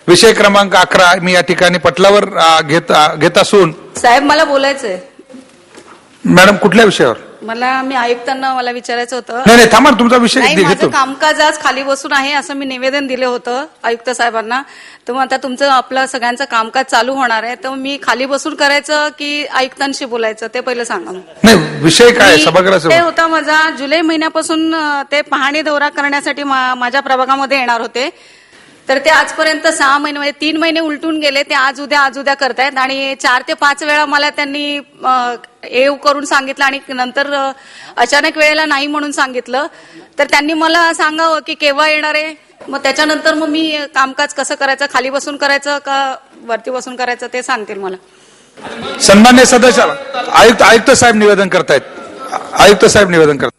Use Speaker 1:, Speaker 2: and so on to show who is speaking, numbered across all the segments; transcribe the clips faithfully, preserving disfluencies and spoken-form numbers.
Speaker 1: विषय क्रमांक अकरा मी या ठिकाणी पटलावर घेत घेत असून
Speaker 2: साहेब मला बोलायचंय.
Speaker 1: मॅडम कुठल्या विषयावर?
Speaker 2: मला मी आयुक्तांना मला विचारायचं होतं.
Speaker 1: नाही नाही थांबा तुमचा विषय
Speaker 2: नाही,
Speaker 1: घेतो.
Speaker 2: माझं कामकाज आज खाली बसून आहे असं मी निवेदन दिलं होतं आयुक्त साहेबांना. तर मग आता तुमचं आपलं सगळ्यांचं कामकाज चालू होणार आहे तर मी खाली बसून करायचं की आयुक्तांशी बोलायचं ते पहिलं सांगा.
Speaker 1: नाही विषय काय
Speaker 2: मी-
Speaker 1: सभागृहाचा
Speaker 2: ते होता माझा जुलै महिन्यापासून अं, ते पाहणी दौरा करण्यासाठी मा- माझ्या प्रभागामध्ये येणार होते. तर ते आजपर्यंत सहा महिने म्हणजे तीन महिने उलटून गेले. ते आज उद्या आज उद्या करतायत आणि चार ते पाच वेळा मला त्यांनी येऊ करून सांगितलं आणि नंतर अचानक वेळेला नाही म्हणून सांगितलं. तर त्यांनी मला सांगावं की केव्हा येणार आहे. मग त्याच्यानंतर मग मी कामकाज कसं करायचं, खाली बसून करायचं का वरती बसून करायचं ते सांगतील मला.
Speaker 1: सन्मान्य सदस्य आयुक्त आयुक्त साहेब निवेदन करतायत. आयुक्त साहेब निवेदन करतात.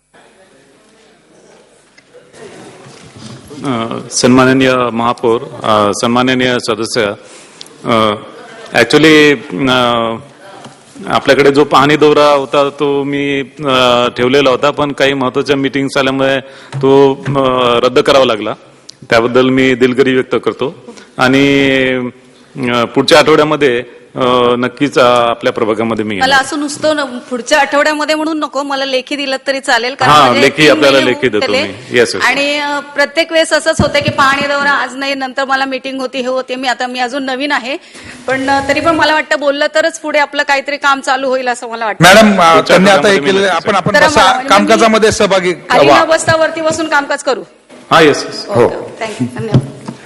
Speaker 3: सन्माननीय महापौर, सन्माननीय सदस्य, ऍक्च्युली आपल्याकडे जो पाहणी दौरा होता तो मी ठेवलेला होता पण काही महत्वाच्या मीटिंग्स आल्यामुळे तो रद्द करावा लागला. त्याबद्दल मी दिलगिरी व्यक्त करतो आणि पुढच्या आठवड्यामध्ये नक्कीच आपल्या प्रभागामध्ये मी
Speaker 2: मला असं नुसतं पुढच्या आठवड्यामध्ये म्हणून नको, मला लेखी दिलं तरी चालेल.
Speaker 3: हा लेखी आपल्याला लेखी देतो मी. येस.
Speaker 2: आणि प्रत्येक वेळेस असंच होतं की पाहणी दौरा आज नाही नंतर मला मीटिंग होती हे होते. मी आता मी अजून नवीन आहे पण तरी पण मला वाटतं बोललं तरच पुढे आपलं काहीतरी काम चालू होईल असं मला वाटतं.
Speaker 1: मॅडम त्यांनी आता हे केलेलं आपण आपण
Speaker 2: तर
Speaker 1: बसा-
Speaker 2: म्हणजे
Speaker 1: कामकाजामध्ये सहभागी
Speaker 2: खाली
Speaker 1: व्हा.
Speaker 2: न बसता वरती बसून कामकाज करू.
Speaker 3: हा येस.
Speaker 1: हो.
Speaker 2: थँक्यू. धन्यवाद.